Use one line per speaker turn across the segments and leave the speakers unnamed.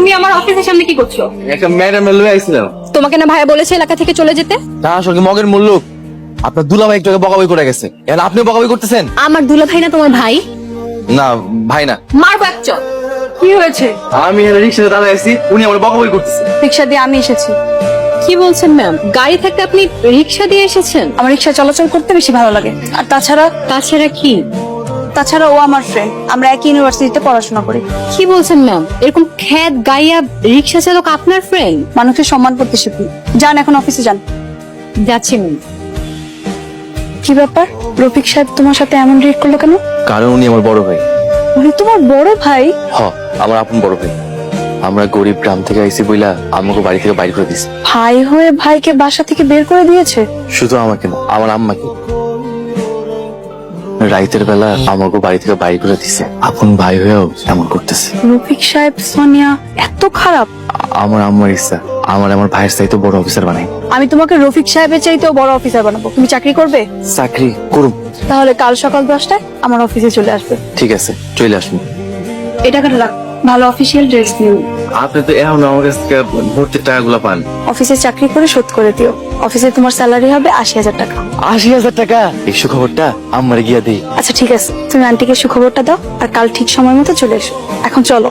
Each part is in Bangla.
তুমি আমার অফিসের সামনে কি করছো?
একটা ম্যাডাম লয়ে আইছিলাম।
তোমাকে না ভাইয়া বলেছে এলাকা থেকে চলে যেতে?
তা আসলে মগের মূল্য আপনার দুলাভাই একটু আগে বকাবকি করে গেছে, এখন আপনিও বকাবকি করতেছেন।
আমার দুলা ভাই না তোমার ভাই?
না ভাই না।
মারবো এক চল। কি হয়েছে?
আমি রিক্সাতে দাঁড়ায় আছি, উনি আমার বকাবকি করতেছে।
রিক্সা দিয়ে আমি এসেছি। কি বলছেন ম্যাম? গাড়ি থাকতে আপনি রিক্সা দিয়ে এসেছেন?
আমার রিক্সা চলাচল করতে বেশি ভালো লাগে। আর
তাছাড়া কি?
তাছাড়া ও আমার ফ্রেন্ড, আমরা একই ইউনিভার্সিটিতে পড়াশোনা করি।
কি বলছেন ম্যাম? এরকম খ্যাত গাইয়া রিক্সা চালক আপনার ফ্রেন্ড?
মানুষের সম্মান করতে শিখি। যান এখন অফিসে যান।
যাচ্ছি ম্যাম।
কি ব্যাপার, রফিক সাহেব তোমার সাথে এমন রিয়েক্ট করলো কেন?
কারণ উনি আমার বড় ভাই।
উনি তোমার বড় ভাই?
হ, আমার আপন বড় ভাই। আমরা গরিব গ্রাম থেকে আইছি বইলা আমাকে বাড়ি থেকে বাইর করে দিছে।
ভাই হয়ে ভাইকে বাসা থেকে বের করে দিয়েছে?
শুধু আমাকে না, আমার আম্মাকে। রাইতের বেলা আমাকে বাড়ি থেকে বাইর করে দিছে। আপন ভাই হয়েও এমন করতেছে।
রফিক সাহেব সোনিয়া এত খারাপ?
আমার আম্মার ইচ্ছা আমার ভাইয়ের চাইতে বড় অফিসার বানাই।
আমি তোমাকে রফিক সাহেবের চাইতেও বড় অফিসার বানাবো। তুমি চাকরি করবে?
চাকরি করব।
তাহলে কাল সকাল 10টায় আমার অফিসে চলে আসবে।
ঠিক আছে, চলে আসুন।
এটা কাটা রাখ, ভালো অফিসিয়াল ড্রেস নিও।
আপনি তো এখন আমার কাছ থেকে ভর্তির টাকাগুলো পান।
অফিসে চাকরি করে শোধ করে দিও। অফিসে তোমার স্যালারি হবে 80,000 টাকা।
80,000 টাকা? এই সুখবরটা আমার গিয়া দেই।
আচ্ছা ঠিক আছে, তুমি আন্টিকে সুখবরটা দাও আর কাল ঠিক সময় মতো চলে এসো। এখন চলো।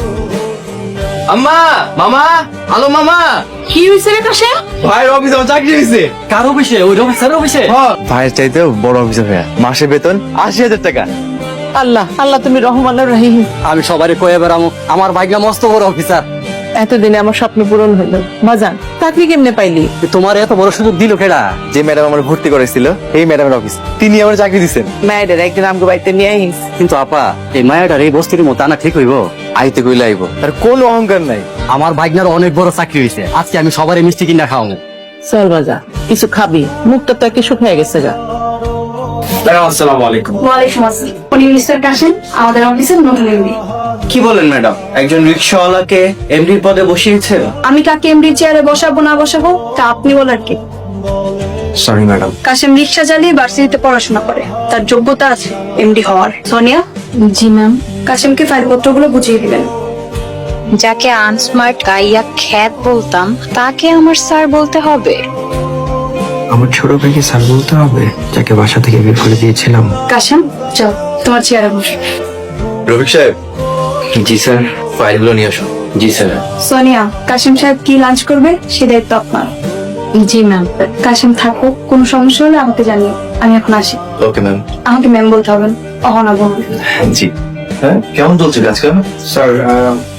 আম্মা, মামা, হ্যালো মামা।
কি হয়েছে রে কাশেম?
ভাইয়ের অফিসে আমার চাকরি হয়েছে।
কার অফিসে? ওই অফিসারের অফিসে?
ভাইয়ের চাইতেও বড় অফিসার ভাইয়া, মাসে বেতন 80,000 টাকা।
আল্লাহ আল্লাহ, তুমি রহমানুর রহিম।
আমি সবারই কয়ে বেড়ামো আমার ভাগ্য মস্ত বড় অফিসার।
এতদিনে আমার স্বপ্ন পূরণ হইল। বাজান, চাকরি কেমনে পাইলি?
তোমার এত বড় সুযোগ দিল কেডা?
যে ম্যাডাম আমার ভর্তি করেছিল এই ম্যাডামের অফিস, তিনি আমার চাকরি দিচ্ছেন।
মায়েদের একদিন আমগো বাড়িতে নিয়ে আইস।
কিন্তু আপা, এই মায়াটার এই বস্তির মতো আনা ঠিক হইব?
আইতে কইলে আইব, তার কোনো অহংকার নাই।
আমার ভাগ্নার অনেক বড় চাকরি হয়েছে, আজকে আমি সবারই মিষ্টি কিনা খাওয়াবো।
চল বাজা, কিছু খাবি, মুখটা তো একে শুকিয়ে গেছে গা।
আসসালামু আলাইকুম।
ওয়ালাইকুম আসসালাম। উনি মিস্টার কাশেম, আমাদের অফিসের নতুন এমডি।
কি বলেন ম্যাডাম, একজন রিক্সাওয়ালাকে এমডির পদে বসিয়েছে?
আমি কাকে এমডি চেয়ারে বসাবো না বসাবো তা আপনি বলার কি?
Sorry madam.
কাশেম রিক্সা চালিয়ে ভার্সিটিতে পড়াশোনা করে, তার যোগ্যতা আছে এমডি হওয়ার। সোনিয়া,
জি ম্যাম।
কাশেমকে ফাইলপত্রগুলো বুঝিয়ে দিবেন।
যাকে আনস্মার্ট গাইয়া খ্যাত বলতাম তাকে আমার স্যার বলতে হবে?
আমার ছোট ভাইকে স্যার বলতে হবে, যাকে বাসা থেকে বের করে দিয়েছিলাম?
কাশেম চল, তোমার চেয়ারে বসো।
রফিক সাহেব।
জি স্যার।
ফাইলগুলো নিয়ে আসুন।
জি স্যার।
সোনিয়া, কাশেম সাহেব কি লাঞ্চ করবে সে দায়িত্ব আপনার।
জি ম্যাম।
কাশেম থাকো, কোনো সমস্যা হলে আমাকে জানিও। আমি এখন আসি।
Okay ma'am.
আমাকে ম্যাম বলতে হবে না, অহনা বলবে।
জি। হ্যাঁ, কেমন চলছে কাজকাম?
স্যার